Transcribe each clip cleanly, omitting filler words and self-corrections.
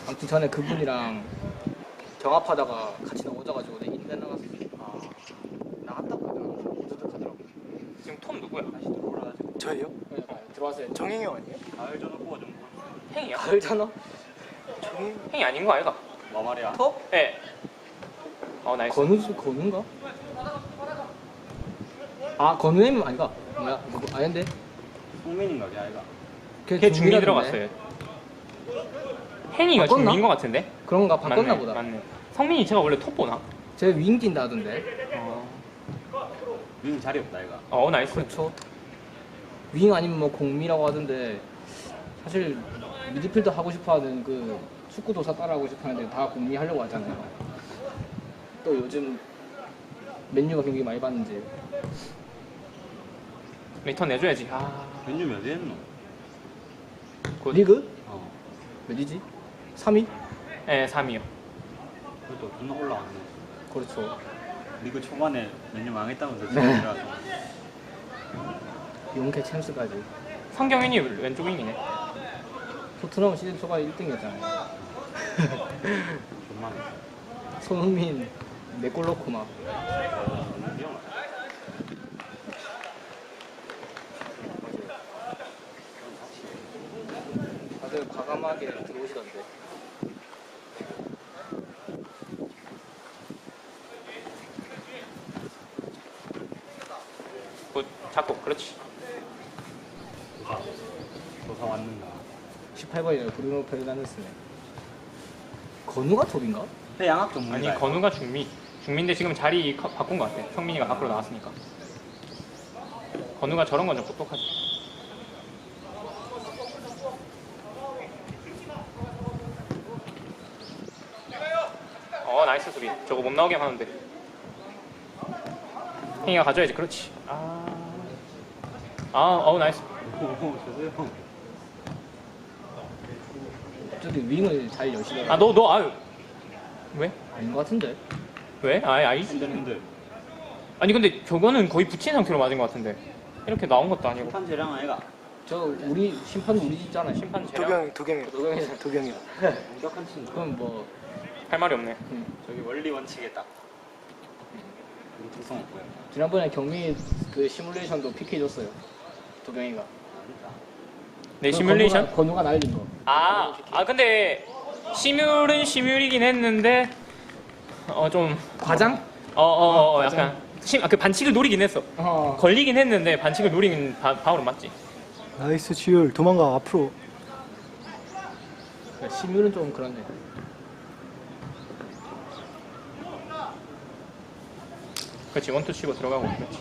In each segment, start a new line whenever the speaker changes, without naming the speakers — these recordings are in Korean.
아무튼 전에 그분이랑 경합하다가 같이 나오자가지고 내 인간 나갔어. 아 나갔다고 하더라고. 무드득하더라고.
지금 톰 누구야?
다시 들어오라가지고.
저예요?
네, 들어왔어요.
정행이 형 아니에요?
가을 전화 뽑아 좀.
행이야?
가을 전화?
정행?
행이 아닌 거 아이가?
뭐 말이야?
터?
예. 나이스.
건우인가? 아 건우님 아닌가? 뭐야? 그거 아닌데?
성민인가 걔 아이가?
걔 중미
중미라던데?
들어갔어요. 행이가
바꿨나?
중미인 거 같은데?
그런가 바꿨나
맞네,
보다.
맞네. 성민이 제가 원래 톱 보나?
쟤 윙 뛴다 하던데.
윙 자리 없다 아이가.
나이스.
그렇죠. 윙 아니면 뭐 공미라고 하던데 사실 미드필더 하고 싶어하는 그 축구 도사 따라하고 싶어하는데 다 공미 하려고 하잖아요. 또 요즘 맨유가 경기 많이 봤는지
리턴 내줘야지.
맨유 몇 위 했노?
리그
어.
몇이지? 3위?
예, 3위요.
그래도 존나 올라왔네.
그렇죠.
리그 초반에 맨유 망했다면서 지금 들어가서.
용케 챔스까지.
성경현이 왼쪽 윙이네.
토트넘 시즌 초반에 1등이었잖아요.
존나.
손흥민 4골 넣고 막.
위험하다.
다들 과감하게 들어오시던데.
잡고, 그렇지.
도사 왔는가?
18번이네요. 브루노 페르난데스네. 건우가 톱인가?
해 양학 전문가.
아니, 건우가 중미. 중미인데 지금 자리 바꾼 거 같아. 성민이가 밖으로 나왔으니까. 건우가 저런 건 좀 똑똑하지. 나이스 수비. 저거 못 나오게 하는데. 행이가 가져야지. 그렇지. 나이스.
오, 죄송해요.
갑자기 윙을 잘 여시더라고.
아유. 왜?
아닌 것 같은데?
왜? 아니지.
힘들.
아니, 근데 저거는 거의 붙인 상태로 맞은 것 같은데. 이렇게 나온 것도 아니고.
심판 재량 아이가.
저 우리 심판 우리 집잖아요.
심판 재량
도경이요.
완벽한 친구.
그럼 뭐
할 말이 없네.
저기 원리 원칙에 딱. 특성 없고요.
지난번에 경미 그 시뮬레이션도 PK 줬어요. 도경이가.
네, 시뮬레이션?
건우가 날린 거.
근데 시뮬은 시뮬이긴 했는데 좀
과장?
약간 그 반칙을 노리긴 했어. 걸리긴 했는데 반칙을 노리긴 바로 맞지.
나이스 지율 도망가 앞으로.
시뮬은 좀 그렇네.
그렇지, 원투 치고 들어가고. 그렇지.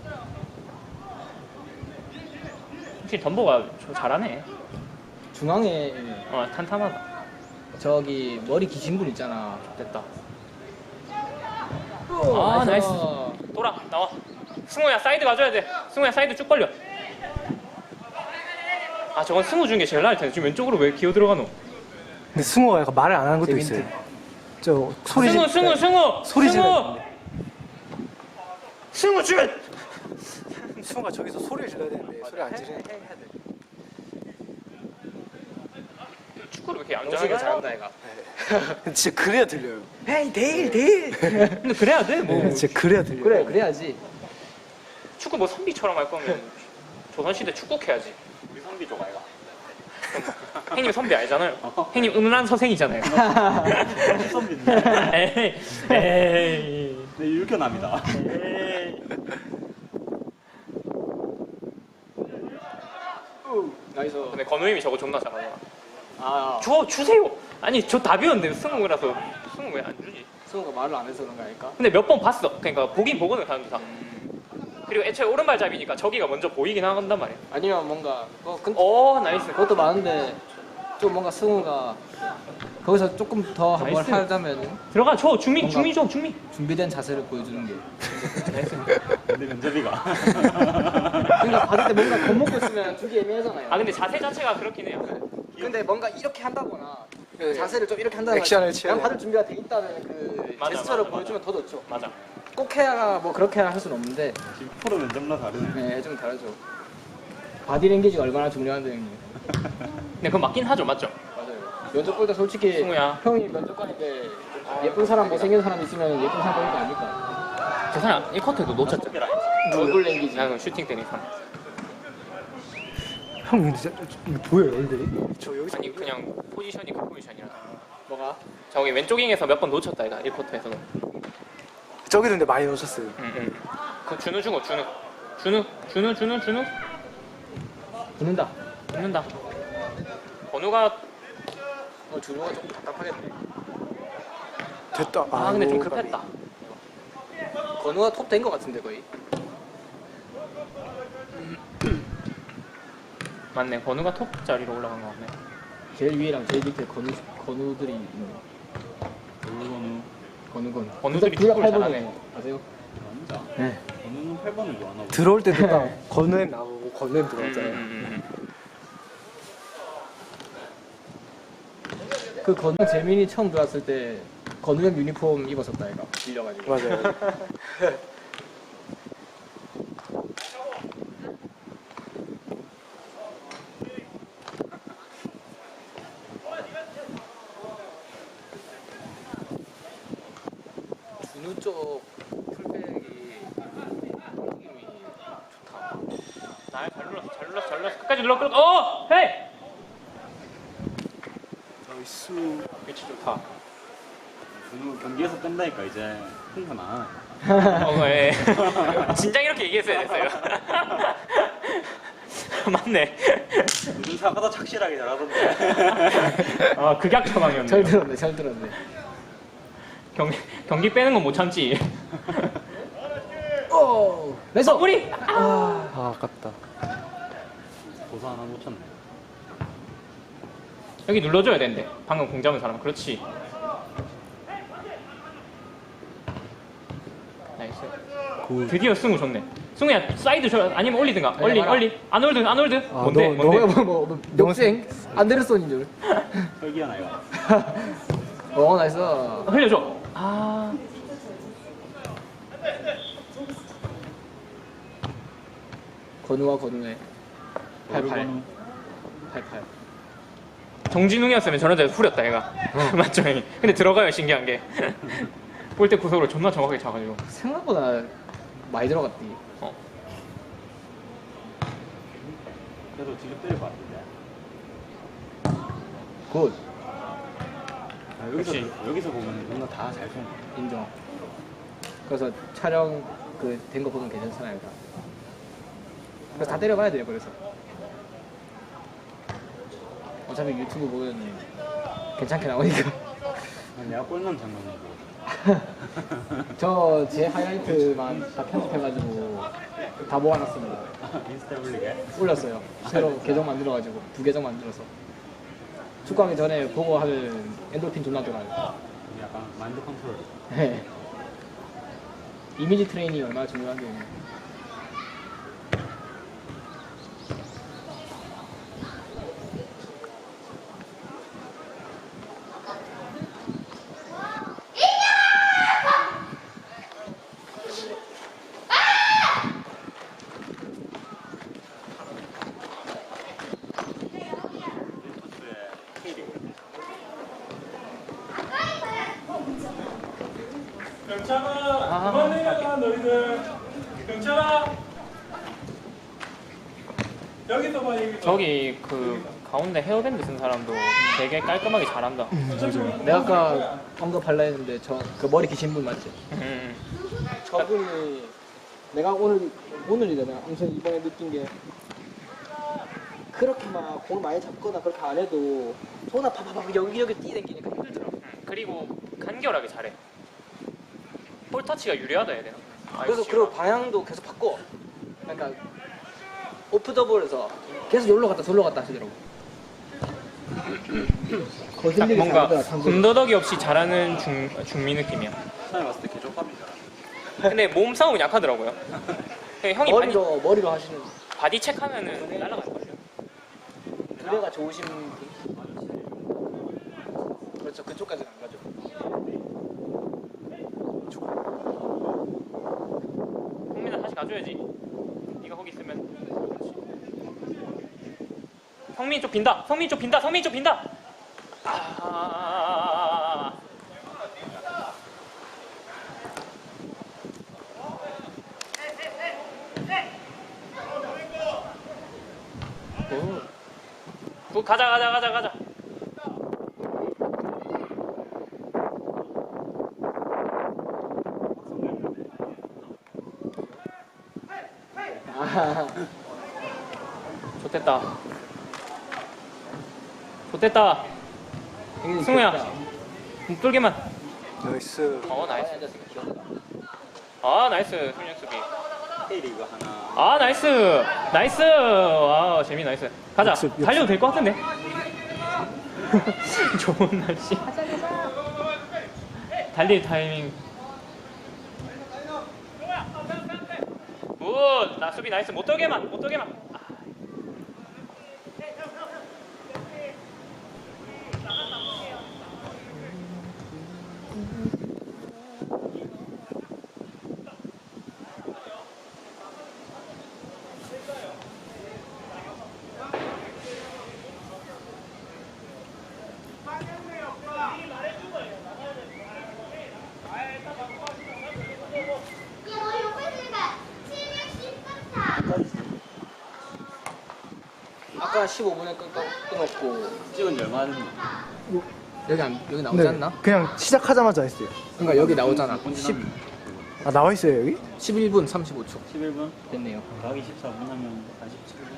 확실히 덤보가 잘하네.
중앙에
탄탄하다.
저기 머리 기신 분 있잖아. 됐다.
나이스. 돌아, 나와. 승우야, 사이드 가줘야 돼. 승우야, 사이드 쭉 벌려. 저건 승우 준 게 제일 나을 텐데. 지금 왼쪽으로 왜 기어 들어가노?
근데 승우가 약간 말을 안 하는 것도
재밌네.
있어요. 저 소리
승우!
소리 질러.
승우 주면!
승우가 저기서 소리를 질러야 되는데 소리 안 지르네.
축구를 왜 이렇게 안
영식이가
잘하나?
잘한다 얘가.
진짜 그래야 들려요.
헤이 데일.
근데 그래야 돼, 뭐.
진짜 그래야 들려요.
그래 그래야지.
축구 뭐 선비처럼 할 거면 조선시대 축구해야지.
우리 성비 쪽 아이가.
형님 선비 알잖아요. 형님 음란 서생이잖아요.
선비인데.
에이.
네, 율견합니다.
나이스.
근데 건우님이 저거 존나 잘하잖아. 주세요! 아니, 저 답이었는데 승우라서. 승우 왜 안 주지?
승우가 말을 안 해서 그런 거 아닐까?
근데 몇 번 봤어. 그러니까 보긴 보거든, 사람들 다. 그리고 애초에 오른발잡이니까 저기가 먼저 보이긴 한단 말이야.
아니면 뭔가
나이스.
그것도 많은데 좀 뭔가 승우가 거기서 조금 더 한번
나이스.
하자면
들어가, 중미 줘.
준비된 자세를 보여주는 게.
근데 면접이가.
그러니까 받을 때 뭔가 겁먹고 있으면 주기 애매하잖아요.
근데 자세 자체가 그렇긴 해요.
근데 뭔가 이렇게 한다거나
네.
자세를 좀 이렇게 한다거나
액션을 취해야
그냥 받을 준비가 돼 있다는 그
맞아,
제스처를
맞아,
보여주면 더 좋죠.
맞아.
꼭 해야 뭐 그렇게 할 수는 없는데
지금 프로 면접나 다르네.
네, 좀 다르죠. 바디랭귀지가 얼마나 중요한데 형님.
네, 그건 맞긴 하죠, 맞죠?
맞아요. 면접 볼 때 솔직히
승우야.
형이 면접 가는데 예쁜 사람 못생긴 사람 있으면 예쁜 사람 보는 거 아닐까?
저 사람 1쿼터에도 놓쳤잖아.
얼굴 랭기지.
나는 슈팅 때린 사람.
형 근데 진짜 이거 보여요 얼굴이? 저 여기서
아니 그냥 포지션이 그 포지션이라.
뭐가?
저기 왼쪽잉에서 몇 번 놓쳤다 이가 1쿼터에서는.
저기도 근데 많이 놓쳤어요.
응. 그 준우 주고 준우.
붙는다.
붙는다. 건우가
준호가 좀 답답하겠네.
됐다.
근데 좀
아이고,
급했다.
건우가 톱 된 거 같은데 거의.
맞네. 건우가 톱 자리로 올라간 거 같네.
제일 위에랑 제일 밑에 건우들이 있네. 건우.
건우들이
둘다
축구를
8번이네.
잘하네.
아세요?
진짜.
네.
건우는 8번을 좋아하나 보다.
들어올 때도 딱 건우엠 나오고 건우엠 들어왔잖아요.
그 건우 재민이 처음 들어왔을 때 건우형 유니폼 입었었다 얘가 빌려가지고.
맞아요.
준우 쪽 풀백이 느낌이 좋다.
잘 눌렀어. 끝까지 눌러. 헤이!
나이스.
위치 좋다.
건우 경기에서 뺀다니까 이제 흥분 안 하네.
예. 진작 이렇게 얘기했어야 됐어요. 맞네.
요즘 사과도 착실하게 잘하던데.
극약 처방이었네.
잘 들었네.
경기 빼는 건 못 참지.
오, 왼손.
뿌리.
아 아깝다.
고사 하나 놓쳤네.
여기 눌러줘야 되는데. 방금 공 잡은 사람. 그렇지. 나이스. 드디어 승우 좋네. 승우야 사이드 줘. 아니면 올리든가.
아니, 봐라.
올리. 아놀드.
아,
뭔데?
뭐 역생 안데르손인 줄.
혈기하나 이거.
나이스.
흘려줘.
건우의 88.
정진웅이었으면 저런데 후렸다 얘가. 맞죠 형이. 근데 들어가요 신기한 게. 볼 때 구석으로 존나 정확하게 차가지고.
생각보다 많이 들어갔디.
그래도 뒤로 때릴 것 같은데.
굿.
역시.
여기서 보면 뭔가 다 잘 쏜.
인정. 그래서 촬영 된 거 보면 괜찮잖아요. 다. 그래서 다 때려봐야 돼요. 그래서 어차피 유튜브 보면 괜찮게 나오니까.
내가 골 넣은 장면이고.
저 제 하이라이트만 다 편집해가지고 다 모아놨습니다.
인스타에 올리게.
올렸어요. 새로 계정 만들어가지고 2계정 만들어서 축구하기 전에 보고 하면 엔돌핀 존나 돌아요.
약간 마인드 컨트롤.
네. 이미지 트레이닝이 얼마나 중요한데.
경찰아, 그만 내려가 너희들. 경찰아, 여기서 봐 여기서.
저기 그 가운데 헤어밴드 쓴 사람도 되게 깔끔하게 잘한다.
내가 아까 언급할라 했는데 저 그 머리 기신 분 맞지? 저분이 내가 오늘이다 내가 엄청 이번에 느낀 게 그렇게 막 공을 많이 잡거나 그렇게 안 해도 손 아파봐봐 여기저기 뛰댕기니까 힘들더라.
그리고 간결하게 잘해. 볼 터치가 유리하다 해야 되나?
그래서 그리고 방향도 계속 바꿔. 그러니까 오프 더 볼에서 계속 여기로 갔다 저기로 갔다 하시더라고.
딱
거슬리게
뭔가
잘하더라, 참고로.
군더더기 없이 잘하는 중미 느낌이야.
처음에 봤을 때 개족감인 줄 알았는데.
근데 몸싸움은 약하더라고요. 형이
머리로 하시는
바디 체크하면은 날아가는 거죠.
두뇌가 좋으신 분. 그렇죠. 그쪽까지는 안 가죠.
홍민아 다시 가줘야지. 네가 거기 있으면. 그렇지. 성민 쪽 빈다. 굿 가자. 좋됐다. 승우야. 뚫게만.
나이스.
나이스. 나이스. 훈련 수비.
K리그 하나.
나이스. 와, 재미 나이스. 가자.
역습.
달려도 될 것 같은데. 좋은 날씨. 달릴 타이밍. 굿. 나 수비 나이스. 못 돌게만.
아까 15분에 끊었고
찍은 지 얼마 됐나?
여기 나오지 않나?
그냥 시작하자마자 했어요.
그러니까 여기 나오잖아.
본
10,
아 나와 있어요 여기?
11분 35초
11분?
됐네요.
더하기 14분 하면 47분.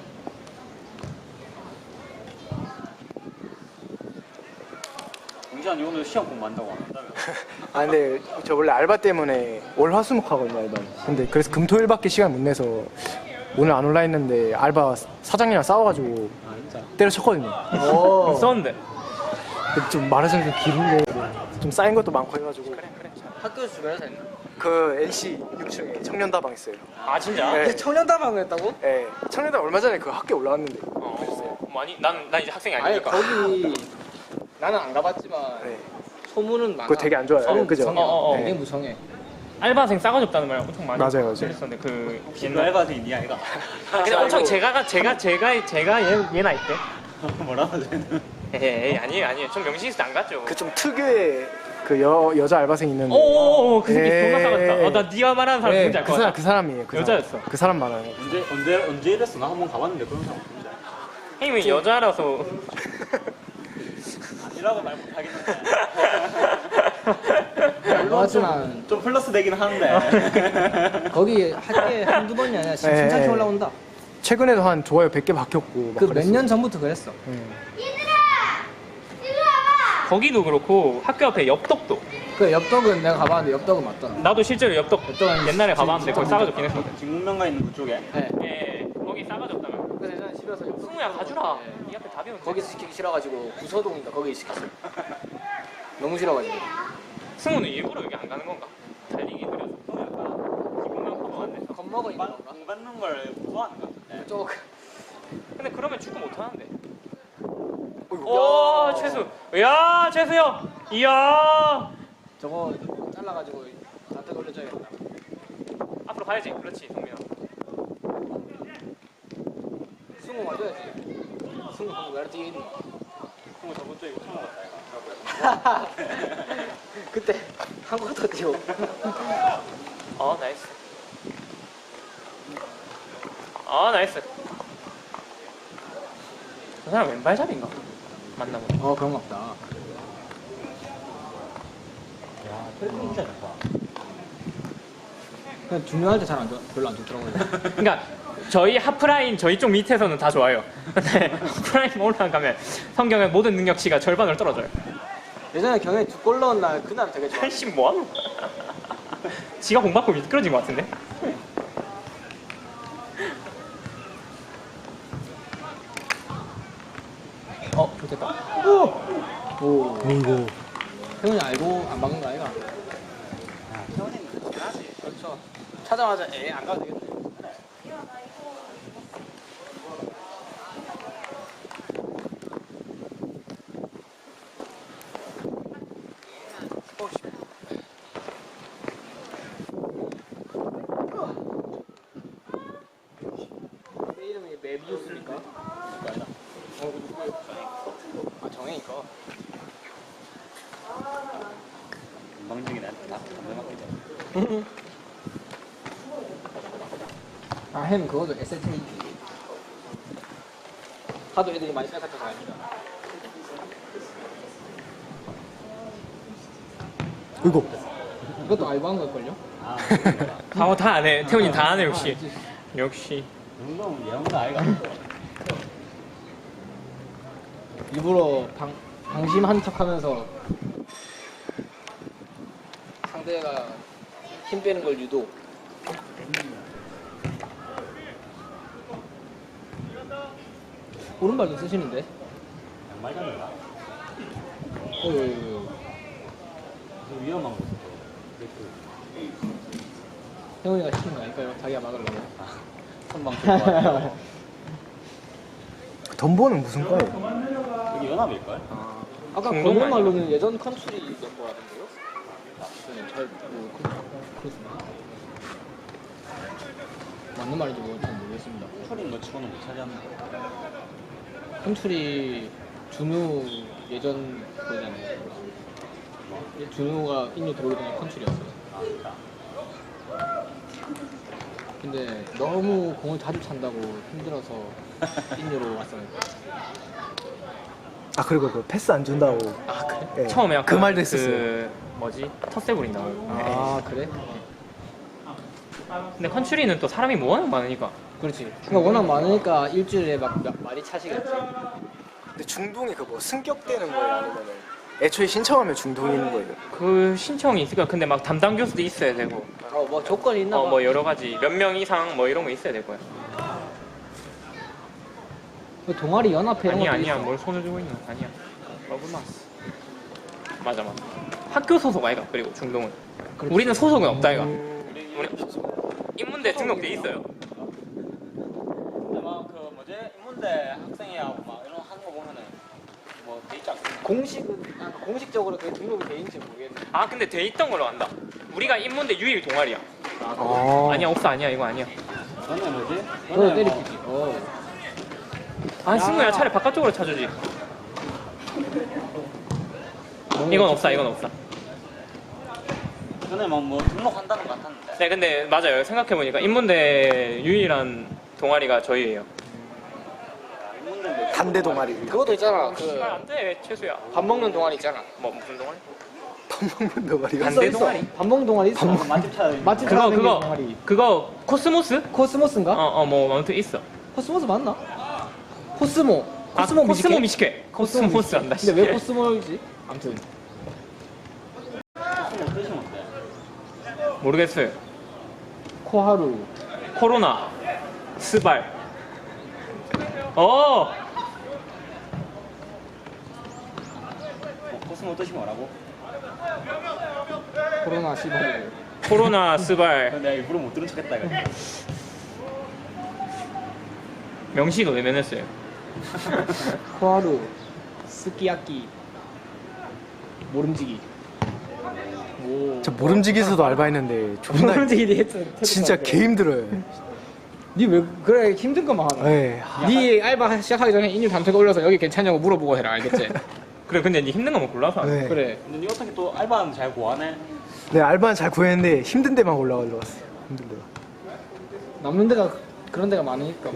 공시환이 오늘 시험 공부한다고 안 한다며?
아 근데 저 원래 알바 때문에 월화수목 하거든요 알바. 근데 그래서 금토일밖에 시간 못 내서 오늘 안 올라 했는데 알바 사장님이랑 싸워가지고
아 진짜?
때려쳤거든요.
오.
썼는데.
좀 말하자면 좀 길은데 좀 쌓인 것도 많고 해가지고
학교 주변에서 했나?
그 NC 6층에 청년다방 있어요.
아 진짜?
네.
청년다방을 했다고?
네, 청년다방 얼마 전에 그 학교 올라왔는데.
많이 난 이제 학생이
아니
아니니까.
거기 나는 안 가봤지만
네.
소문은 많아.
그거 되게 안 좋아요.
성,
그죠?
성해.
어.
되게 무성해.
알바생 싸가지 없다는 말 엄청 많이
맞아요.
들었었는데 그
너
옛날
알바생이 니 아이가?
근데 엄청 제가 얘 나이 때
뭐라고 쟤는?
에이 아니에요 전 명신스 안 갔죠.
그 좀 특유의 그 여자 알바생 있는데.
오오오 그 새끼
에이.
존나 싸갔다. 나 네가 말하는 사람 누군지 알 것 같아.
그 사람이에요. 그
여자였어.
사람. 그 사람 말하는 거.
언제 이랬어? 나 한번 가봤는데 그런 사람 없는데.
형님이 여자라서
아니라고 말 못하겠는데.
하지만
좀 플러스 되긴 하는데.
거기 학교에 한두 번이 아니라 지금
네.
순창에 올라온다.
최근에도 한 좋아요 100개 바뀌었고. 막
그 몇
그랬어요.
년 전부터 그랬어.
거기도 그렇고 학교 앞에 엽떡도
그 엽떡은 내가 가봤는데 엽떡은 맞더라.
나도 실제로 엽떡
엽떡은
옛날에 가봤는데 거기 싸가지 없긴 했거든.
직문명가 있는 그쪽에.
네.
예 거기 싸가지 없다면
그래서 예전에 집에서 엽떡
승우야 가주라.
네.
이 앞에 답이 없는데.
거기서 시키기 싫어가지고 구서동인가 거기 시켰어. 너무 싫어가지고.
승우는 일부러 여기 안 가는 건가? 달리기 느려서 기분만 커버 안 돼서.
겁먹어 있는 건가?
공 받는 걸 무서워하는 것 같은데.
쪽.
근데 그러면 축구 못 하는데.
어이구.
오
야.
최수. 야 최수 형. 이야.
저거 잘라가지고 나한테 돌려줘야겠다.
앞으로 가야지. 그렇지 동민아.
승우 맞아야지. 승우 방금 왜 뛰어 있는 거야?
그거 저번 주에 처음 봤다 이거.
그때 한국 더 뛰어.
나이스. 나이스. 저 사람 왼발잡인가? 맞나 보네.
그런 거 없다.
야, 그래도 진짜 좋다.
그냥 중요할 때 별로 안 좋더라고요.
그러니까 저희 하프라인 저희 쪽 밑에서는 다 좋아요. 근데 하프라인 올라가면 성경의 모든 능력치가 절반으로 떨어져요.
예전에 경에 2골 넣은 날 그날 되게 좋아.
한씨 뭐하노? 지가 공 받고 미끄러진 것 같은데? 좋겠다.
오.
이거.
태훈이 알고 안 박은 거 아이가?
태원이는 잘하지.
그렇죠. 찾아마자 안 가도 되겠네. 내 이름이 메비우스니까? 정혜니까.
건방지게 나한테 다 담배 맞게 돼.
햄 그것도 SAT. 하도 애들이 많이 뺏어쳐서 아닙니다.
이거
이것도 알바한 걸걸요?
아,
다 아네. 태훈이 다 아네 역시. 역시.
운동 예언도 아이가.
일부러 방심한 척하면서 상대가 힘 빼는 걸 유도. 오른발도 쓰시는데?
양말 잡는다.
어유.
그 위험한 거.
태훈이가 시킨 거 아닐까요? 자기가 막으려고.
선방 좋아해요.
덤보는 무슨 과예요?
여기 연합일걸?
아까
공동
건너 말로는 예전 컨트리 멤버라던데요? 잘 그렇습니다. 맞는 말인지 잘 모르겠습니다.
풀인 거 치고는 못 차지하는 거.
컨트리 준우 예전 거잖아요. 준우가 인류 들어오기 전에 컨트리였어요.
아, 진짜.
근데 너무 공을 자주 찬다고 힘들어서 인류로 왔어요.
아 그리고 그 패스 안 준다고.
아 그래?
예,
처음에
그
아까
말도 했었어요.
그 뭐지? 텃세 부린다.
아 그래?
근데 컨츄리는 또 사람이 워낙 많으니까.
그렇지. 그러니까 워낙 많으니까 일주일에 막 많이 차시겠지.
근데 중동이 그 뭐 승격되는 거예요, 아니면은 애초에 신청하면 중동인 거예요?
그 신청이 있으니까 근데 막 담당 교수도 있어야 되고.
뭐 조건이 있나 봐.
뭐 여러 가지 몇 명 이상 뭐 이런 거 있어야 될 거야.
그 동아리 연합회 이런 것도
아니야
있어.
뭘 손을 주고 있나? 아니야. 러브마스. 맞아. 학교 소속 아이가 그리고 중동은.
그렇지.
우리는 소속은 없다 이가.
우리
인문대 등록돼 있어요.
근데 막 그 뭐지 인문대 학생회하고 막 이런 하는 거 보면은 뭐 돼 있지 않습니까?
공식적으로 그게 등록이 돼 있는지 모르겠네.
아 근데 돼 있던 걸로 안다. 우리가 인문대 유일 동아리야.
아,
아니야 없어 아니야 이거 아니야.
너네 뭐지?
너
너네
때리기지.
아 친구야 차라리 바깥쪽으로 차주지. 이건 없어 이건 없어.
너네 막뭐 등록한다는 거 같았는데.
네 근데 맞아요 생각해보니까 인문대 유일한 동아리가 저희예요.
인문대인데
단대 동아리.
그것도 있잖아. 그
잘 안돼 최수야.
밥 먹는 동아리 있잖아.
뭐 무슨 동아리?
밥 먹는 동아리가.
단대
있어.
동아리?
밥 먹는 동아리 있어.
맛집 찾아.
맛집
그거
찾아다니는
그거
동아리.
그거 코스모스?
코스모스인가?
뭐 아무튼 있어.
코스모스 맞나? 코스모.
코스모
미식회?
미식회. 코스모스 한다.
근데 왜 코스모이지? 아무튼
무슨 뜻이 뭔데?
모르겠어요.
코하루.
코로나 스발.
코스모 뜻이 뭐라고?
코로나 15.
코로나 스발.
내가 일부러 못 들은 척했다 이거.
명시가 외면했어요.
코하루. 스키야키. 모름지기. 오.
저 모름지기에서도 알바했는데 존나
모름지기 했어.
진짜 개 힘들어요.
니왜 그래 힘든 것만 하나?
네.
니 알바 시작하기 전에 인류 단톡 올려서 여기 괜찮냐고 물어보고 해라 알겠지?
그래 근데 니 힘든 거만 골라서. 안 돼.
네.
그래.
근데 니 어떻게 또 알바는 잘 구하네?
네, 알바는 잘 구했는데 힘든 데만 올라가 들어갔어요. 힘든 데가.
남는 데가 그런 데가 많으니까.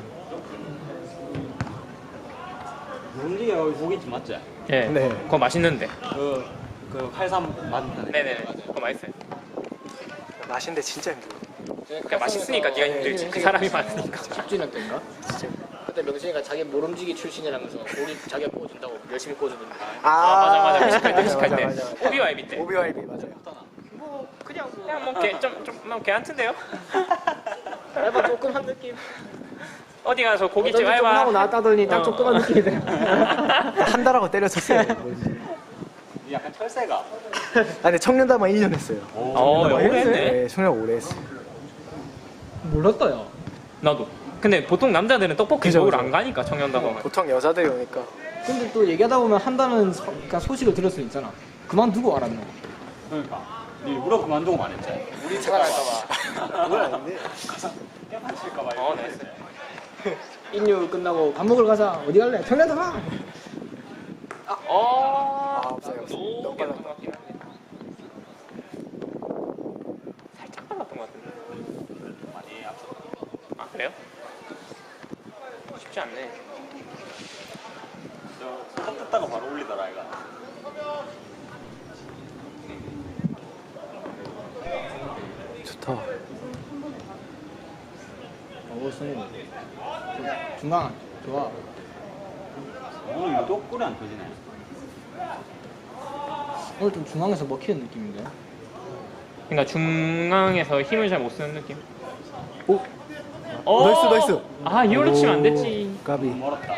모름지기 여기 고깃집 맞지?
예.
네.
그거 맛있는데.
그 활삼 맞는데.
네네네. 그거 맛있어요.
맛인데 진짜 힘들어요.
그러니까 맛있으니까 네가 힘들지. 그 사람이 많으니까.
10주년 때인가? 그때 명진이가 자기 모름지기 출신이라면서 고기 자기가 구워준다고 열심히 구워주는데
맞아. 회식할 때 회식할
맞아,
때.
맞아.
오비와이비 때.
오비와이비 맞아요.
그냥 뭐 괜찮던데요?
알바 조금 한 느낌.
어디 가서 고깃집
조금 하고
알바.
나왔다더니 딱 조그만 느낌이 돼.
한 달하고 때려쳤어요.
니 약간 철새가.
아, 근데 청년다만 1년 했어요.
오래 했네.
네, 청년 오래 했어요.
몰랐다 야.
나도. 근데 보통 남자들은 떡볶이
그죠,
먹으러
그죠.
안 가니까 청년다방은.
보통 여자들이 오니까.
근데 또 얘기하다 보면 한다는 그러니까 소식을 들을 수 있잖아. 그만두고 알았노.
그러니까. 니 일부러 그만두고 말했지. 우리
제가 할까봐.
그건 아닌데.
깨판 칠까봐.
네.
인류 끝나고 밥 먹으러 가자. 어디 갈래? 청년다 가.
아, 없어요.
너무
너무
빨랐던
빨랐다.
것 같긴 한데. 살짝 빨랐던 것 같은데.
많이 앞서.
아 그래요? 쉽지 않네.
떴다가 바로 올리더라 이거.
좋다.
승우. 중앙 좋아.
오늘 유독 꿀이 안 터지네.
오늘 좀 중앙에서 먹히는 느낌인데.
그러니까 중앙에서 힘을 잘 못 쓰는 느낌.
오,
어!
나이스, 나이스.
아 이걸로 치면 안 됐지.
까비.
멀었다.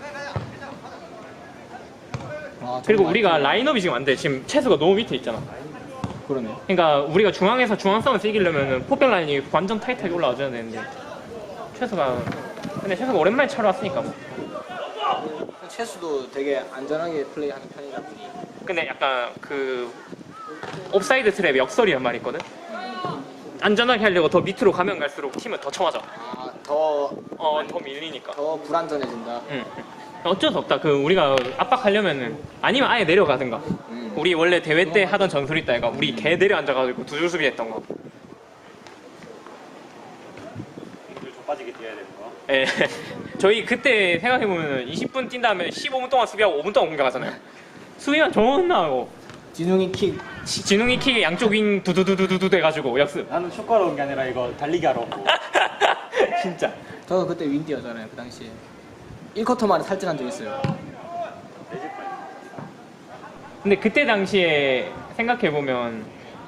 아,
그리고
정말
우리가 라인업이 지금 안 돼. 지금 채수가 너무 밑에 있잖아.
그러네.
그러니까 우리가 중앙에서 중앙 싸움에서 이기려면은 포백 라인이 완전 타이트하게 올라와줘야 되는데 최수가 근데 최수가 오랜만에 차러 왔으니까 뭐.
채수도 되게 안전하게 플레이하는 편이다 보니.
근데 약간 그 옵사이드 트랩 역설이란 말이 있거든. 안전하게 하려고 더 밑으로 가면 갈수록 팀은 더 쳐맞아.
더
더 밀리니까.
불안전해진다.
응. 어쩔 수 없다. 그 우리가 압박하려면은 아니면 아예 내려가든가. 우리 원래 대회 때 하던 전술 있다. 얘가 우리 개 내려 앉아가지고 두 줄 수비했던 거.
좀 빠지게 뛰어야 되는 거.
예. 저희 그때 생각해보면 20분 뛴 다음에 15분 동안 수비하고 5분 동안 공격하잖아요. 수비만 존나 하고
진웅이 킥.
진웅이 킥에 양쪽 윙 두두두두두 돼가지고 역습.
나는 축구하러 온 게 아니라 이거 달리기 하러 오고.
진짜.
저도 그때 윈 뛰었잖아요. 그 당시에 1쿼터 만에 탈진한 적 있어요.
근데 그때 당시에 생각해보면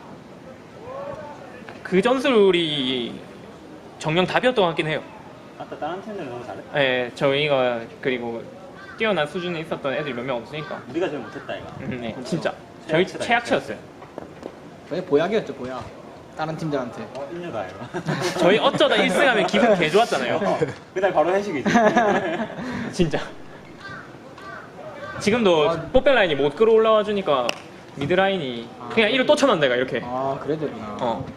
그 전술이 정령 답이었던 것 같긴 해요.
아까 다른 팀들은 너무 잘해.
예, 저희가 그리고 뛰어난 수준에 있었던 애들이 몇 명 없으니까.
우리가 제일 못했다 이거.
네, 진짜. 저희
최악체다,
최악체였어요.
저희 보약이었죠, 보약. 다른 팀들한테.
인류다 이거.
저희 어쩌다 1승하면 기분 개 좋았잖아요.
그날 바로 회식이지.
진짜. 지금도 뽀백 라인이 못 끌어올라와 주니까 미드 라인이 그냥 이로 또 쳐만 내가 이렇게.
아, 그래야 되구나.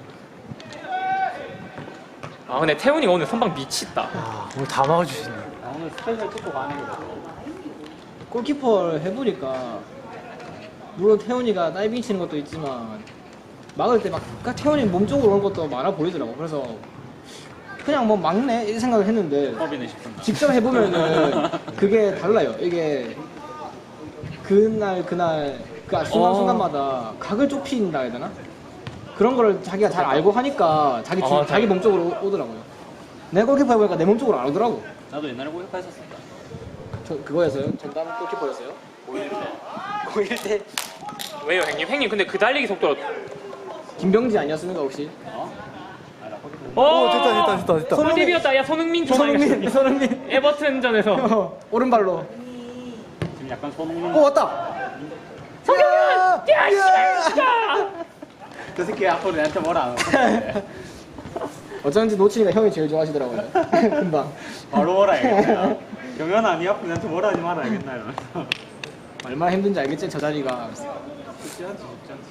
아 근데 태훈이가 오늘 선방 미쳤다.
아, 오늘 다 막아주시네.
아, 오늘 스페셜 축구 가는 거.
골키퍼를 해보니까 물론 태훈이가 다이빙 치는 것도 있지만 막을 때 막 태훈이 몸쪽으로 오는 것도 많아 보이더라고. 그래서 그냥 뭐 막네 이 생각을 했는데
법이네 싶은다.
직접 해보면은 그게 달라요. 이게 그날 그 순간순간마다 각을 좁힌다 해야 되나? 그런 거를 자기가 잘 알고 하니까 자기 몸쪽으로 오더라고요. 내가 골키퍼 해보니까 내 몸쪽으로 안 오더라고.
나도 옛날에 골키퍼 했었습니다.
저 그거였어요? 전담 골키퍼였어요? 고1 때
왜요 형님? 형님 근데 그 달리기 속도로.
김병지 아니었습니까 혹시?
어? 아, 나 골키퍼.
오
됐다.
손흥민이었다. 야 손흥민 좀
손흥민
에버튼전에서.
오른발로.
지금 약간 손흥민.
오 왔다.
성경현! 야 씨발 진짜!
그 새끼 앞으로 내한테 뭐라 안 하고.
어쩐지 노치니까 형이 제일 좋아하시더라고요. 금방.
바로 뭐라 해야겠다. 경현아 니 앞으로 내한테 뭐라 하지 마라 알겠나 이러면서.
얼마나 힘든지 알겠지 저 자리가.
쉽지 않지.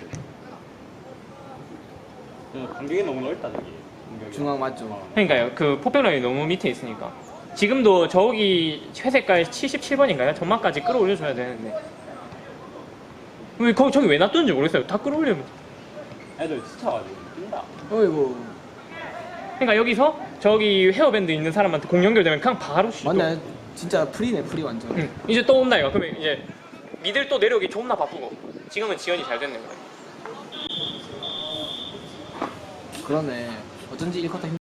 간격이 너무 넓다 저기. 간격이.
중앙 맞죠?
그러니까요. 그 포백 라인이 너무 밑에 있으니까. 지금도 저기 회색깔 77번인가요? 전막까지 끌어올려줘야 되는데. 왜 저기 왜 놔뒀는지 모르겠어요. 다 끌어올리면.
애들 지쳐가지고 뛴다.
어이구.
그러니까 여기서 저기 헤어밴드 있는 사람한테 공 연결되면 그냥 바로 슛.
맞네. 진짜 프리네 프리 완전.
응. 이제 또 온다 이거. 그러면 이제 미들 또 내려오기 존나 바쁘고. 지금은 지연이 잘 됐네.
그러네. 어쩐지 1쿼터